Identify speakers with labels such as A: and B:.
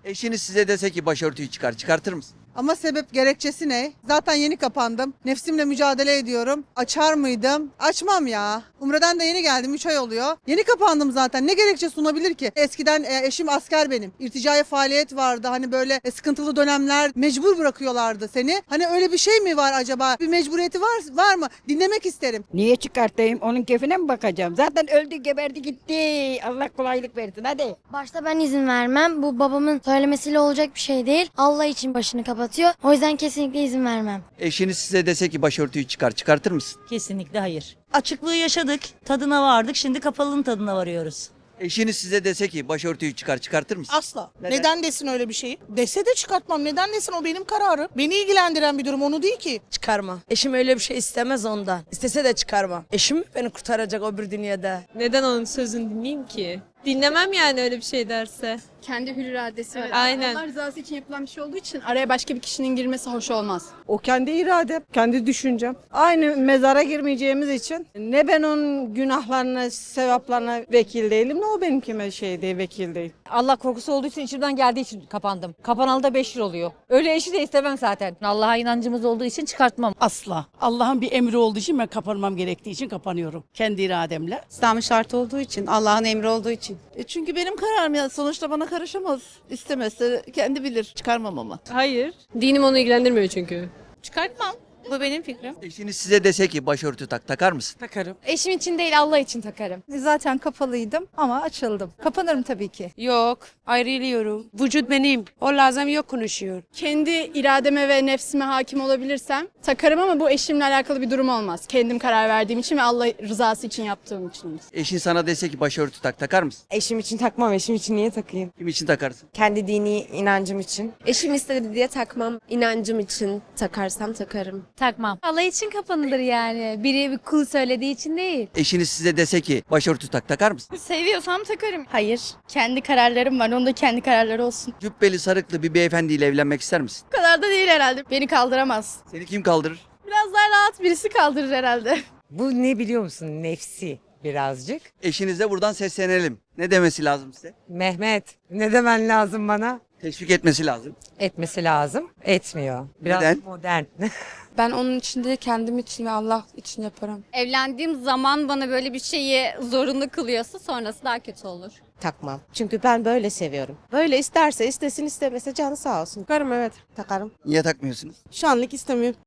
A: Eşiniz size dese ki başörtüyü çıkar, çıkartır mısın?
B: Ama sebep gerekçesi ne? Zaten yeni kapandım. Nefsimle mücadele ediyorum. Açar mıydım? Açmam ya. Umre'den de yeni geldim. 3 ay oluyor. Yeni kapandım zaten. Ne gerekçe sunabilir ki? Eskiden eşim asker benim. İrticai faaliyet vardı. Hani böyle sıkıntılı dönemler mecbur bırakıyorlardı seni. Hani öyle bir şey mi var acaba? Bir mecburiyeti var mı? Dinlemek isterim.
C: Niye çıkartayım? Onun keyfine mi bakacağım? Zaten öldü, geberdi, gitti. Allah kolaylık versin hadi.
D: Başta ben izin vermem. Bu babamın söylemesiyle olacak bir şey değil. Allah için başını kapatıyor. O yüzden kesinlikle izin vermem.
A: Eşiniz size dese ki başörtüyü çıkar, çıkartır mısın?
E: Kesinlikle hayır. Açıklığı yaşadık, tadına vardık, şimdi kapalının tadına varıyoruz.
A: Eşiniz size dese ki başörtüyü çıkar, çıkartır mısın?
F: Asla.
A: Neden?
F: Neden desin öyle bir şeyi? Dese de çıkartmam. Neden desin, o benim kararım. Beni ilgilendiren bir durum, onu değil ki.
G: Çıkarma. Eşim öyle bir şey istemez ondan. İstese de çıkarma. Eşim beni kurtaracak öbür dünyada.
H: Neden onun sözünü dinleyeyim ki? Dinlemem yani öyle bir şey derse.
I: Kendi hür iradesi var.
H: Aynen.
I: Allah rızası için yapılan bir şey olduğu için araya başka bir kişinin girmesi hoş olmaz.
J: O kendi iradem, kendi düşüncem. Aynı mezara girmeyeceğimiz için ne ben onun günahlarına, sevaplarına vekil değilim, ne o benimkime vekil değil.
K: Allah korkusu olduğu için içimden geldiği için kapandım. Kapanalı da 5 yıl oluyor. Öyle eşi de istemem zaten. Allah'a inancımız olduğu için çıkartmam.
L: Asla. Allah'ın bir emri olduğu için ben kapanmam gerektiği için kapanıyorum. Kendi irademle.
G: İslam'ın şartı olduğu için, Allah'ın emri olduğu için.
F: Çünkü benim kararım ya. Sonuçta bana karışamaz. İstemezse kendi bilir. Çıkarmam ama.
H: Hayır. Dinim onu ilgilendirmiyor çünkü.
I: Çıkartmam. Bu benim fikrim.
A: Eşiniz size dese ki başörtü tak, takar mısın?
L: Takarım.
I: Eşim için değil, Allah için takarım.
B: Zaten kapalıydım ama açıldım. Kapanırım tabii ki.
G: Yok. Ayrılıyorum. Vücut benim. O lazım yok konuşuyor.
I: Kendi irademe ve nefsime hakim olabilirsem takarım ama bu eşimle alakalı bir durum olmaz. Kendim karar verdiğim için ve Allah rızası için yaptığım için.
A: Eşin sana dese ki başörtü tak, takar mısın?
G: Eşim için takmam. Eşim için niye takayım?
A: Kim için takarsın?
G: Kendi dini inancım için.
I: Eşim istedi diye takmam. İnancım için takarsam takarım.
D: Takmam. Allah için kapanılır yani. Biri bir kul söylediği için değil.
A: Eşiniz size dese ki başörtü tak, takar mısın?
I: Seviyorsam takarım. Hayır. Kendi kararlarım var. Onun da kendi kararları olsun.
A: Cübbeli sarıklı bir beyefendiyle evlenmek ister misin?
I: Bu kadar da değil herhalde. Beni kaldıramaz.
A: Seni kim kaldırır?
I: Biraz daha rahat birisi kaldırır herhalde.
G: Bu ne biliyor musun? Nefsi birazcık.
A: Eşinize buradan seslenelim. Ne demesi lazım size?
G: Mehmet, ne demen lazım bana?
A: Teşvik etmesi lazım.
G: Etmesi lazım. Etmiyor. Biraz
A: Neden?
G: modern.
I: Ben onun için değil, kendim için ve Allah için yaparım.
D: Evlendiğim zaman bana böyle bir şeyi zorunlu kılıyorsa sonrası daha kötü olur.
G: Takmam. Çünkü ben böyle seviyorum. Böyle isterse istesin, istemese canı sağ olsun. Takarım, evet. Takarım.
A: Niye takmıyorsunuz?
G: Şu anlık istemiyorum.